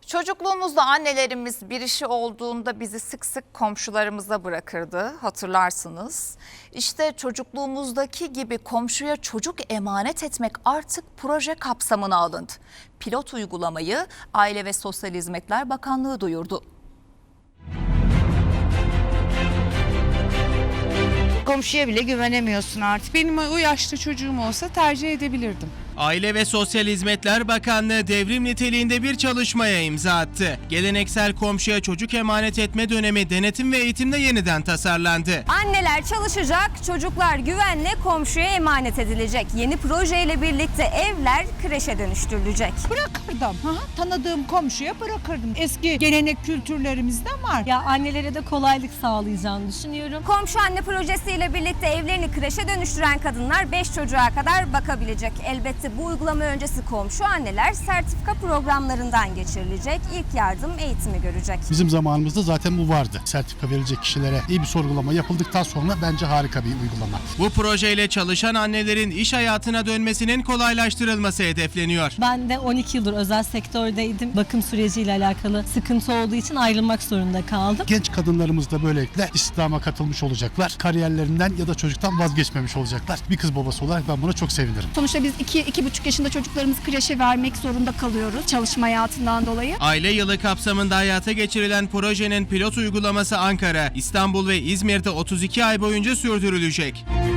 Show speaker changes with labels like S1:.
S1: Çocukluğumuzda annelerimiz bir işi olduğunda bizi sık sık komşularımıza bırakırdı, hatırlarsınız. İşte çocukluğumuzdaki gibi komşuya çocuk emanet etmek artık proje kapsamına alındı. Pilot uygulamayı Aile ve Sosyal Hizmetler Bakanlığı duyurdu.
S2: Komşuya bile güvenemiyorsun artık.
S3: Benim o yaşta çocuğum olsa tercih edebilirdim.
S4: Aile ve Sosyal Hizmetler Bakanlığı devrim niteliğinde bir çalışmaya imza attı. Geleneksel komşuya çocuk emanet etme dönemi denetim ve eğitimde yeniden tasarlandı.
S5: Anneler çalışacak, çocuklar güvenle komşuya emanet edilecek. Yeni projeyle birlikte evler kreşe dönüştürülecek.
S3: Bırakırdım. Tanıdığım komşuya bırakırdım. Eski gelenek kültürlerimizden var.
S6: Ya annelere de kolaylık sağlayacağını düşünüyorum.
S5: Komşu anne projesiyle birlikte evlerini kreşe dönüştüren kadınlar 5 çocuğa kadar bakabilecek. Elbette bu uygulama öncesi komşu anneler sertifika programlarından geçirilecek. İlk yardım eğitimi görecek.
S7: Bizim zamanımızda zaten bu vardı. Sertifika verilecek kişilere iyi bir sorgulama yapıldıktan sonra bence harika bir uygulama.
S4: Bu projeyle çalışan annelerin iş hayatına dönmesinin kolaylaştırılması hedefleniyor.
S6: Ben de 12 yıldır özel sektördeydim. Bakım süreciyle alakalı sıkıntı olduğu için ayrılmak zorunda kaldım.
S7: Genç kadınlarımız da böylelikle istihdama katılmış olacaklar. Kariyerlerinden ya da çocuktan vazgeçmemiş olacaklar. Bir kız babası olarak ben buna çok sevinirim.
S8: Sonuçta biz 2-2,5 yaşında çocuklarımızı kreşe vermek zorunda kalıyoruz çalışma hayatından dolayı.
S4: Aile yılı kapsamında hayata geçirilen projenin pilot uygulaması Ankara, İstanbul ve İzmir'de 32 ay boyunca sürdürülecek.